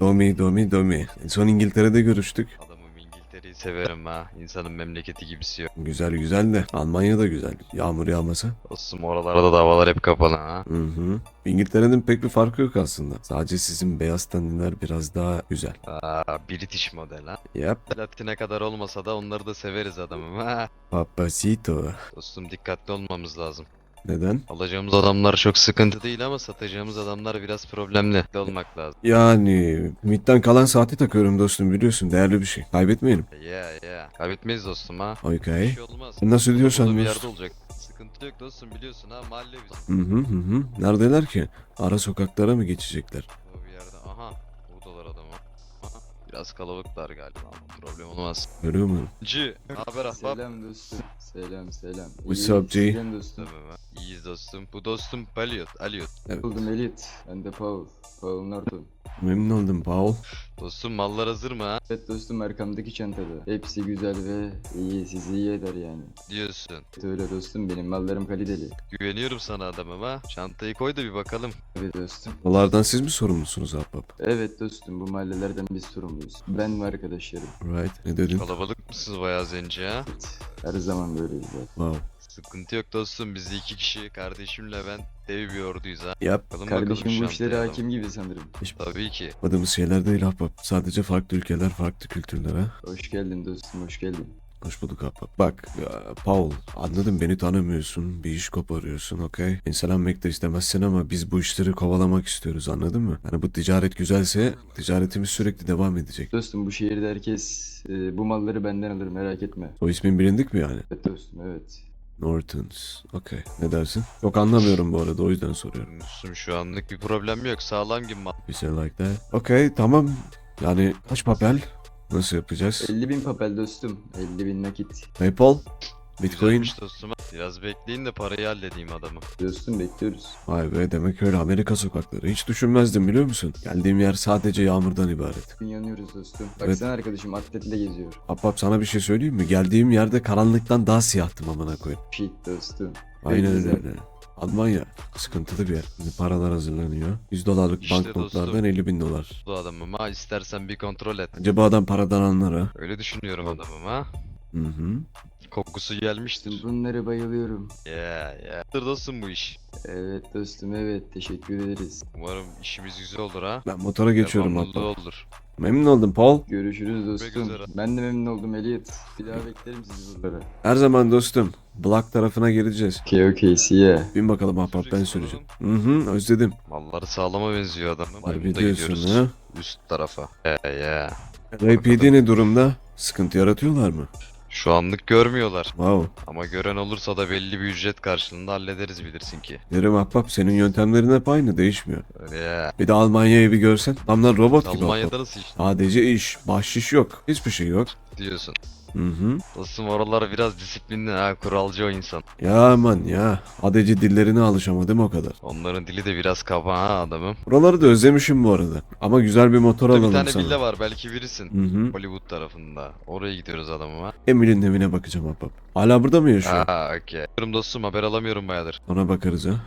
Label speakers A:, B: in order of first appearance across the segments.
A: Domi. En son İngiltere'de görüştük.
B: Adamım İngiltere'yi severim ha. İnsanın memleketi gibisi yok.
A: Güzel de Almanya da güzel. Yağmur yağmasa.
B: Dostum oralarda da havalar hep kapalı ha.
A: Hı hı. İngiltere'nin pek bir farkı yok aslında. Sadece sizin beyaz tenliler biraz daha güzel.
B: British model ha.
A: Yap.
B: Latine kadar olmasa da onları da severiz adamım ha.
A: Papacito.
B: Dostum dikkatli olmamız lazım.
A: Neden?
B: Alacağımız adamlar çok sıkıntı değil ama satacağımız adamlar biraz problemli. Dikkatli olmak lazım.
A: Yani MIT'ten kalan saati takıyorum dostum biliyorsun. Değerli bir şey. Kaybetmeyelim.
B: Yeah. Kaybetmeyiz dostum ha. Bir
A: Okay.
B: şey olmaz.
A: Nasıl
B: Burada
A: diyorsan
B: bir
A: dostum.
B: yerde olacak. Sıkıntı yok dostum biliyorsun ha mahalle bizim.
A: Hı. Neredeler ki? Ara sokaklara mı geçecekler?
B: O bir yerde. Aha. Buradalar adamı. Aha. Biraz kalabalıklar galiba ama problem olmaz.
A: Görüyor musun?
B: Haber ahbap.
C: Selam dostum. Selam.
A: What's
C: İyi,
A: up, G?
C: sizden dostum.
B: Tamam ha. İyiyiz dostum. Bu dostum Aliot.
A: Evet.
C: Buldum Elliot. Ben de Paul. Paul Norton.
A: Memnun oldum Paul.
B: Dostum mallar hazır mı ha?
C: Evet dostum arkamdaki çantada. Hepsi güzel ve iyi. Sizi iyi eder yani.
B: Diyorsun.
C: Evet öyle dostum benim mallarım kaliteli.
B: Güveniyorum sana adamım ha. Çantayı koy da bir bakalım.
C: Evet dostum.
A: Dolardan siz mi sorumlusunuz ahbap?
C: Evet dostum bu mahallelerden biz sorumluyuz. Ben ve arkadaşlarım.
A: Right. Ne dedin?
B: Kalabalık mısınız bayağı zenci ha?
C: Evet. Her zaman böyleyiz zaten.
A: Wow.
B: Sıkıntı yok dostum. Biz de iki kişi. Kardeşimle ben dev bir orduyuz ha.
A: Yap.
B: Bakalım
C: Kardeşim bu
B: şantaya
C: işlere
B: adam.
C: hakim gibi sanırım.
B: Tabii ki.
A: Yapmadığımız şeyler değil ahbap. Sadece farklı ülkeler, farklı kültürler ha.
C: Hoş geldin dostum hoş geldin.
A: Hoş bulduk ahbap. Bak ya, Paul anladım beni tanımıyorsun. Bir iş koparıyorsun okey. İnselenmek de istemezsin ama biz bu işleri kovalamak istiyoruz anladın mı? Yani bu ticaret güzelse ticaretimiz sürekli devam edecek.
C: Dostum bu şehirde herkes bu malları benden alır merak etme.
A: O ismin bilindik mi yani?
C: Evet dostum evet.
A: Nortons. Okey. Ne dersin? Çok anlamıyorum bu arada o yüzden soruyorum.
B: Dostum şu anlık bir problem yok. Sağlam gibi mal.
A: Bir şey like that. Okey tamam. Yani kaç papel? Nasıl yapacağız?
C: 50.000 papel dostum. 50.000 nakit.
A: PayPal? Bitcoin?
B: Güzelmiş dostum. Biraz bekleyin de parayı halledeyim adamı.
C: Dostum bekliyoruz.
A: Vay be demek öyle Amerika sokakları. Hiç düşünmezdim biliyor musun? Geldiğim yer sadece yağmurdan ibaret.
C: Bugün yanıyoruz dostum.
A: Evet.
C: Baksana arkadaşım atletle geziyor.
A: Ahbap sana bir şey söyleyeyim mi? Geldiğim yerde karanlıktan daha siyahtım amına koyayım.
C: Shit dostum.
A: Aynen
C: güzel.
A: öyle. Almanya sıkıntılı bir yer. Şimdi paralar hazırlanıyor. 100 dolarlık
B: İşte
A: banknotlardan
B: dostum.
A: 50.000 dolar.
B: Bu adamım ha. İstersen bir kontrol et.
A: Acaba adam paradan anlar ha?
B: Öyle düşünüyorum adamım ha.
A: Hı.
B: Kokusu gelmiştir.
C: Bunları bayılıyorum.
B: Yeah. Dur dostum bu iş.
C: Evet dostum evet teşekkür ederiz.
B: Umarım işimiz güzel olur ha.
A: Ben motora geçiyorum
B: Devamlılığı
A: ahbap.
B: olur.
A: Memnun oldum Paul.
C: Görüşürüz dostum.
B: üzere.
C: Ben de memnun oldum Elliot. Bir daha beklerim sizi buralara.
A: Her zaman dostum. Black tarafına geleceğiz.
C: Okay see ya.
A: Bin bakalım ahbap ben süreceğim. Özledim.
B: Malları sağlama benziyor adamım.
A: Harbi
B: Burada
A: diyorsun
B: gidiyoruz.
A: ha?
B: Üst tarafa. Yeah.
A: RPD ne durumda? Sıkıntı yaratıyorlar mı?
B: Şu anlık görmüyorlar.
A: Wow.
B: Ama gören olursa da belli bir ücret karşılığında hallederiz bilirsin ki.
A: Derim ahbap senin yöntemlerin hep aynı değişmiyor.
B: Öyle ya.
A: Bir de Almanya'yı bir görsen. Adamlar robot gibi ahbap.
B: Almanya'da nasıl iş
A: Sadece iş, bahşiş yok. Hiçbir şey yok.
B: diyorsun?
A: Hı.
B: Dostum oralar biraz disiplinli ha. Kuralcı o insan.
A: Ya aman ya. Adeci dillerine alışamadım o kadar.
B: Onların dili de biraz kaba ha adamım.
A: Buraları da özlemişim bu arada. Ama güzel bir motor
B: Burada bir
A: alalım
B: tane
A: sana.
B: villa var belki bilirsin.
A: Hı.
B: Hollywood tarafında. Oraya gidiyoruz adamım ha.
A: Emil'in evine bakacağım ahbap. Hala burada mı yaşıyor?
B: Okey. Dostum haber alamıyorum bayağıdır.
A: Ona bakarız ha.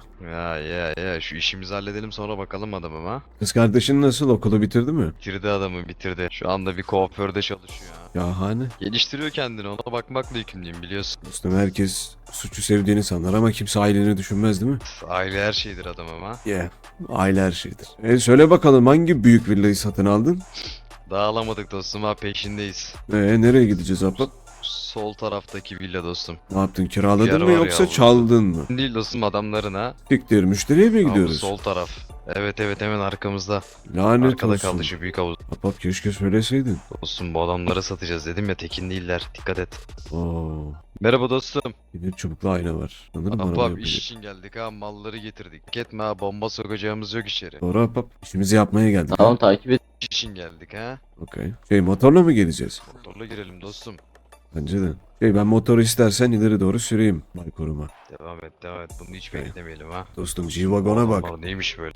B: Ya. Şu işimizi halledelim sonra bakalım adamım ha.
A: Kız kardeşin nasıl? Okulu bitirdi mi?
B: Bitirdi adamı bitirdi. Şu anda bir kuaförde çalışıyor ha.
A: Yahane.
B: Geliştiriyor kendini ona bakmakla yükümlüyüm biliyorsun.
A: Dostum herkes suçu sevdiğini sanır ama kimse aileni düşünmez değil mi?
B: Aile her şeydir adamım ha.
A: Yeah. Aile her şeydir. Söyle bakalım hangi büyük villayı satın aldın?
B: Daha alamadık dostum ha peşindeyiz.
A: Nereye gideceğiz ahbap?
B: Sol taraftaki villa dostum.
A: Ne yaptın?
B: Yer
A: Kiraladın mı
B: var ya
A: yoksa
B: burada.
A: çaldın mı?
B: Değil dostum adamların ha.
A: Siktir müşteriye mi
B: Abi
A: gidiyoruz?
B: sol taraf. Evet hemen arkamızda.
A: Lanet
B: Arkada
A: olsun.
B: kaldı şu büyük havuz.
A: Ahbap keşke söyleseydin.
B: Dostum bu adamları satacağız dedim ya tekin değiller. Dikkat et.
A: Oo.
B: Merhaba dostum.
A: Bir çubuklu ayna var. Sanırım arabaya
B: Ahbap iş
A: koyacak.
B: için geldik ha malları getirdik. Dikkat etme ha bomba sokacağımız yok içeri.
A: Doğru ahbap. İşimizi yapmaya geldik.
C: Tamam takip et.
B: İş için geldik ha.
A: Okey. Motorla mı geleceğiz?
B: Motorla girelim dostum.
A: Bence de. Ben motoru istersen ileri doğru süreyim. Bay koruma.
B: Devam et. Bunu hiç
A: Okay.
B: beklemeyelim ha.
A: Dostum G-Wagon'a bak.
B: Aa, neymiş böyle?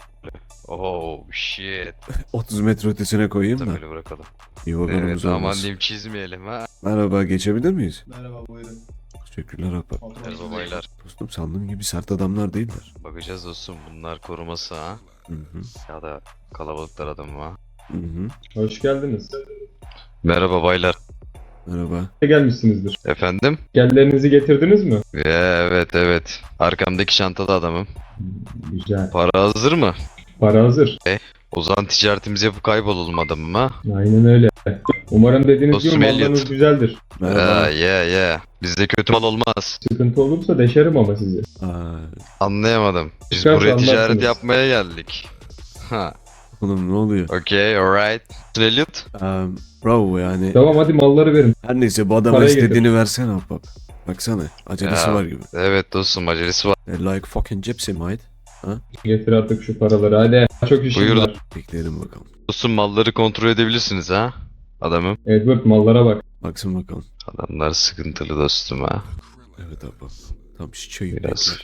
B: Oh shit.
A: 30 metre ötesine koyayım da.
B: Böyle bırakalım.
A: G-Wagon'umuz
B: Evet aman
A: olmaz.
B: diyeyim çizmeyelim ha.
A: Merhaba geçebilir miyiz?
D: Merhaba buyurun.
A: Teşekkürler ahbap.
B: Merhaba baylar.
A: Dostum sandığım gibi sert adamlar değiller.
B: Bakacağız dostum bunlar koruması ha.
A: Hı.
B: Ya da kalabalıklar adamı ha.
A: Hı hı.
D: Hoş geldiniz.
B: Merhaba baylar.
A: Merhaba.
D: Gelmişsinizdir.
B: Efendim?
D: Gellerinizi getirdiniz mi?
B: Evet. Arkamdaki çantada adamım.
D: Güzel.
B: Para hazır mı?
D: Para hazır.
B: O zaman ticaretimizi yapıp kaybolalım adamım ha.
D: Aynen öyle. Umarım dediğiniz gibi
B: Dostum
D: mallarınız
B: Elliot.
D: güzeldir.
A: Merhaba.
B: Bizde kötü mal olmaz.
D: Sıkıntı olursa deşerim ama sizi.
A: Aa,
B: Anlayamadım. Biz
D: Çıkarsa
B: buraya ticaret
D: anlarsınız.
B: yapmaya geldik. Ha.
A: oğlum ne oluyor?
B: Okay, alright. Elliot?
A: Bravo yani.
D: Tamam hadi malları verin.
A: Her neyse bu adama
D: Parayı
A: istediğini versene ahbap. Baksana acelesi
B: Ya.
A: var gibi.
B: Evet dostum acelesi var.
A: Like fucking gypsy mate.
D: Getir artık şu paraları hadi. Çok işim
B: Buyur.
D: var.
A: Bekleyelim bakalım.
B: Dostum malları kontrol edebilirsiniz ha. Adamım.
D: Edward mallara bak.
A: Baksın bakalım.
B: Adamlar sıkıntılı dostum ha.
A: Evet ahbap. Tam şişeyim.
B: Biraz.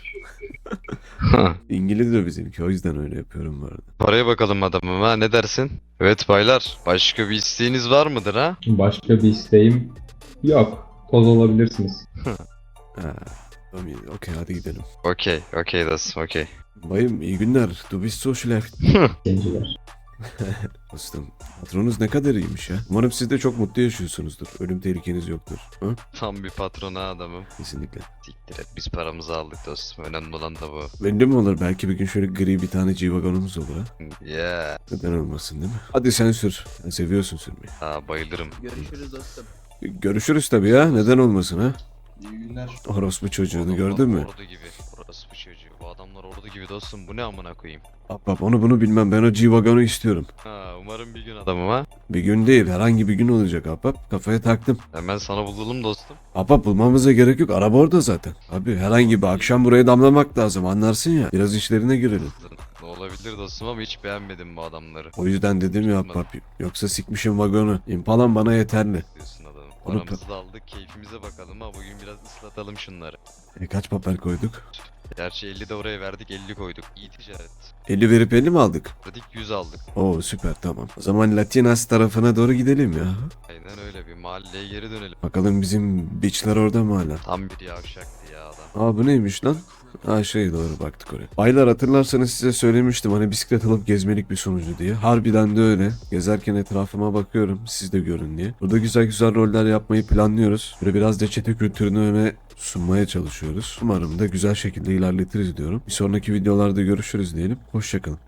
A: İngiliz de bizimki o yüzden öyle yapıyorum bu arada.
B: Paraya bakalım adamım ha, ne dersin? Evet baylar, başka bir isteğiniz var mıdır ha?
D: Başka bir isteğim yok. Toz olabilirsiniz.
A: Ha, tamam iyi. Okey hadi gidelim.
B: Okey dostum, okey.
A: Bayım iyi günler. Du bist so schlecht.
D: Genciler.
A: Dostum patronunuz ne kadar iyiymiş ya. Umarım siz de çok mutlu yaşıyorsunuzdur. Ölüm tehlikeniz yoktur. Ha?
B: Tam bir patron ha adamım.
A: Kesinlikle.
B: Siktir et, biz paramızı aldık dostum, önemli olan da bu.
A: Benim de mi olur? Belki bir gün şöyle gri bir tane G-Wagon'umuz olur ha.
B: Yeah.
A: Neden olmasın değil mi? Hadi sen sür. Sen seviyorsun sürmeyi.
B: Ha bayılırım.
E: Görüşürüz dostum.
A: Görüşürüz tabii ya. Neden olmasın ha?
E: İyi günler.
A: Orospu çocuğunu
B: Adamlar
A: gördün mü?
B: Ordu gibi. Burası bu çocuğu. Bu adamlar ordu gibi dostum, bu ne amına koyayım.
A: Ahbap onu bunu bilmem. Ben o G-Wagon'u istiyorum.
B: Ha umarım bir gün adamım ha.
A: Bir gün değil. Herhangi bir gün olacak ahbap. Kafaya taktım.
B: Hemen sana bulalım dostum.
A: Ahbap bulmamıza gerek yok. Araba orada zaten. Abi herhangi bir akşam buraya damlamak lazım. Anlarsın ya. Biraz işlerine girelim.
B: Ne olabilir dostum ama hiç beğenmedim bu adamları.
A: O yüzden dedim ya ahbap. Yoksa sikmişim vagonu. İmpalan bana yeterli.
B: Diyorsun adamım.
A: Onu
B: Paramızı da aldık, keyfimize bakalım ha. Bugün biraz ıslatalım şunları.
A: Kaç papel koyduk?
B: Gerçi 50 de oraya verdik, 50 koyduk. İyi ticaret.
A: 50 verip 50 mi aldık?
B: Verdik 100 aldık.
A: Oo süper tamam. O zaman Latinas tarafına doğru gidelim ya.
B: Aynen öyle, bir mahalleye geri dönelim.
A: Bakalım bizim beachler orada mı hala?
B: Tam bir yavşaktı ya adam.
A: Aa bu neymiş lan? Ha şey doğru baktık oraya. Baylar hatırlarsanız size söylemiştim hani bisiklet alıp gezmelik bir sonucu diye. Harbiden de öyle. Gezerken etrafıma bakıyorum siz de görün diye. Burada güzel güzel roller yapmayı planlıyoruz. Böyle biraz da çete kültürünü öne sunmaya çalışıyoruz. Umarım da güzel şekilde ilerletiriz diyorum. Bir sonraki videolarda görüşürüz diyelim. Hoşçakalın.